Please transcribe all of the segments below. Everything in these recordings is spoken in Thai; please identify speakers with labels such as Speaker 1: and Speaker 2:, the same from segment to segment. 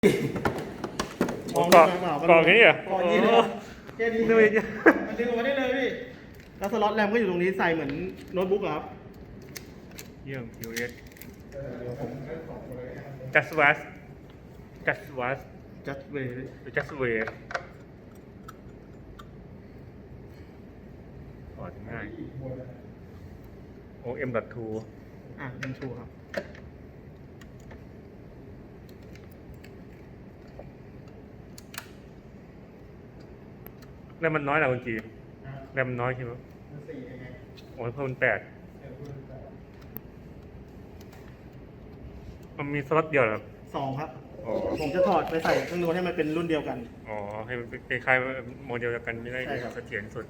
Speaker 1: เกาะแค่นี้เหรอ
Speaker 2: เกาะนี้เลยแค่นี้
Speaker 1: นึกว่าจะ
Speaker 2: มันดึงออกมาได้เลยพี่แล้วสล็อตแรมก็อยู่ตรงนี้ใส่เหมือนโน้ตบุ๊กอะครับ
Speaker 1: เยี่ยม US Just was Just was
Speaker 2: จัดเวย์
Speaker 1: Just way ถอดง่าย OM.2
Speaker 2: เป็นชูครับ
Speaker 1: แล้วมันน้อยนะคุณจีแล้วมันน้อยใช่ไหม
Speaker 2: 4ยังไง
Speaker 1: โอ้ยเพิ่ม8มันมีสล็อตเดียวเหรอ
Speaker 2: 2ครับ
Speaker 1: อ๋อ
Speaker 2: ผมจะถอดไปใส่เครื่องนู้นให้มันเป็นรุ่นเดียวกัน
Speaker 1: อ๋อ ให้มันคล้ายๆโมเดลเดียวกันไม่ได้
Speaker 2: ใช่ครับ
Speaker 1: เสถียรสุด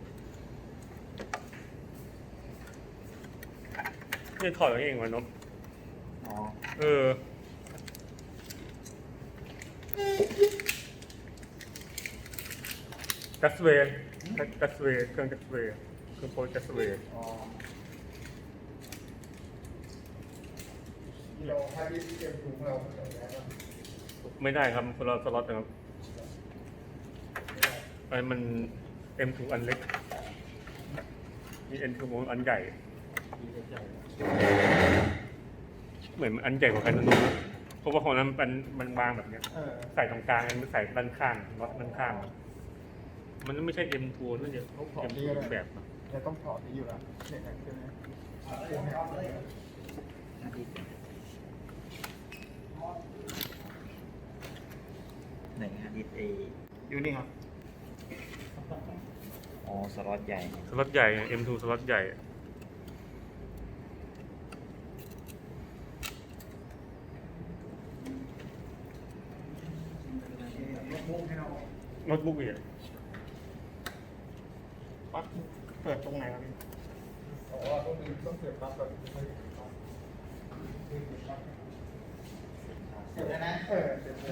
Speaker 1: นี่ถอดเอาเองวะนบ
Speaker 2: อ๋อ
Speaker 1: เออ จัสเวย์จัสเวย์เครื่องจัสเวย์เครื่องโปรจัสเวย์
Speaker 3: เราให้ที่เกมถุงเราใส่ได้ป่ะ
Speaker 1: ไม่ได้ครับคนเราสล็อตนะครับไอ้มัน M2 อันเล็ก มี N2 อันใหญ่ เหมือนอันใหญ่กว่ากันนะนุ๊กเพราะว่าของนั้นมันบางแบบเนี้ย ใส่ตรงกลางมันใส่ด้านข้างล็อตด้านข้าง มันไม่ใช่ M2 นั่นเดียว M2 แบบอะ
Speaker 3: เราต้องถอดนี้อยู่แล้วเนี่ยใช่ไหม
Speaker 4: ไหนฮะดิสเอ
Speaker 2: อยู่นี่ครับ
Speaker 4: อ๋อสล็อตใหญ่
Speaker 1: สล็อตใหญ่ M2 สล็อตใหญ่ โน้ตบุ๊กอีกอะ
Speaker 2: ปั๊บเปิดตรงไหนครับพี่
Speaker 3: อ๋อต้องเสียบปลั๊กก่อนไม่เสียบปลั๊ก
Speaker 2: เสร็จแล้วนะ
Speaker 3: เสียบเลย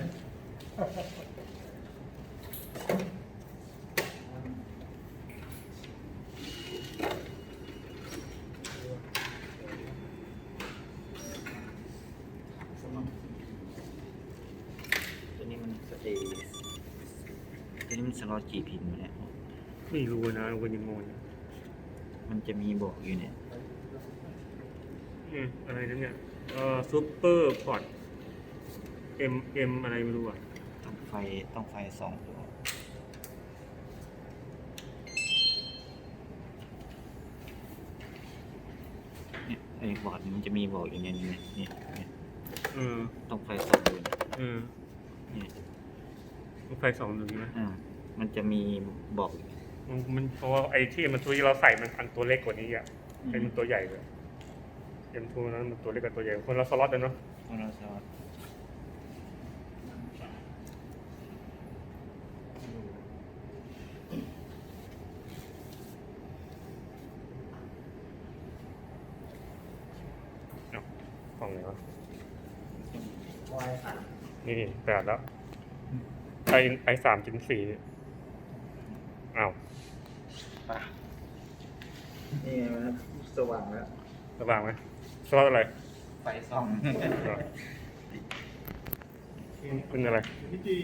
Speaker 4: ตัวนี้มันสเตตัวนี้มันสล็อตกี่พินวะเนี่ย
Speaker 1: ไม่รู้นะวันยังงง
Speaker 4: มันจะมีบอกอยู่เนี่ย
Speaker 1: อะไรนั่นเนี่ยซูเปอร์พอร์ต M อะไรไม่รู้อ่ะ
Speaker 4: ต้องไฟสองตัวเนี่ยไอ้บอร์ดมันจะมีบอกอยู่เนี่ยเนี่ย ต้องไฟสองตัวเนี่ย
Speaker 1: ไฟ2หนึ่งใช่ไหม
Speaker 4: มันจะมีบอก
Speaker 1: มันเพราะว่าไอ้ที่มันตัวที่เราใส่มันอันตัวเล็กกว่านี้อ่ะไอ้มันตัวใหญ่เลย M2 นั้นมันตัวเล็กกับตัวใหญ่คนละสล็อตเลยเนาะ
Speaker 4: ของเราสล็อต
Speaker 1: กล่องไหนวะ
Speaker 2: วายสาม
Speaker 1: นี่8แล้วไอ3.4อ้าว
Speaker 4: นี่มันสว่างแล้ว
Speaker 1: ระว่างไหมสล็อตอะไร
Speaker 4: ไฟส่อง
Speaker 1: เป็นอะไร
Speaker 2: พี่จี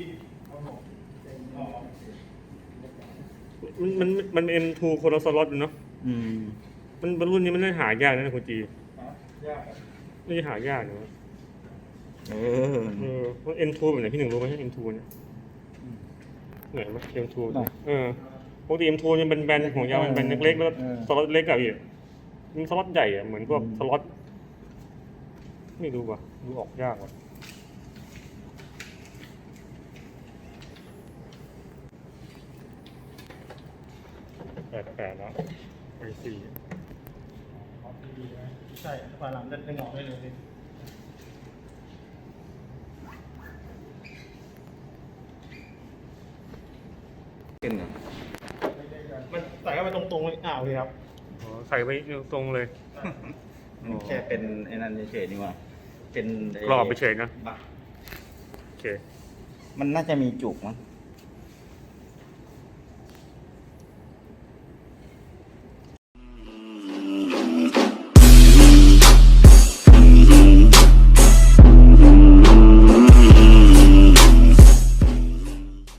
Speaker 1: มัน M2 คนละสล็อตเนาะมันรุ่นนี้มันน่าหายากนะคุณจี
Speaker 3: ยาก
Speaker 1: ไม่ใช่หายากนะ ว่า M2 แบบไหนพี่หนึ่งรู้ไหม M2 เนี่ยไหนวะ M2 ปกติ M2 เนี่ยเป็นแบนของยาวมันแบนเล็กๆแล้วสล็อตเล็กกับอีกมันสล็อตใหญ่อะเหมือนพวกสล็อตไม่รู้ว่ะดูออกยากว่ะแปดแล้วไป4
Speaker 2: ใช่ฝาหลังดึงออกได้เลยพี่มันใส่เข้าไปตรงๆเลยโอเคครับ
Speaker 1: ใส่ไปตรงเลย
Speaker 4: มันแค่เป็นไอ้นั่นเฉยๆนี่หว่าเป็น
Speaker 1: กรอบไปเฉยนะ
Speaker 4: บัก
Speaker 1: โอเค
Speaker 4: มันน่าจะมีจุกมั้ง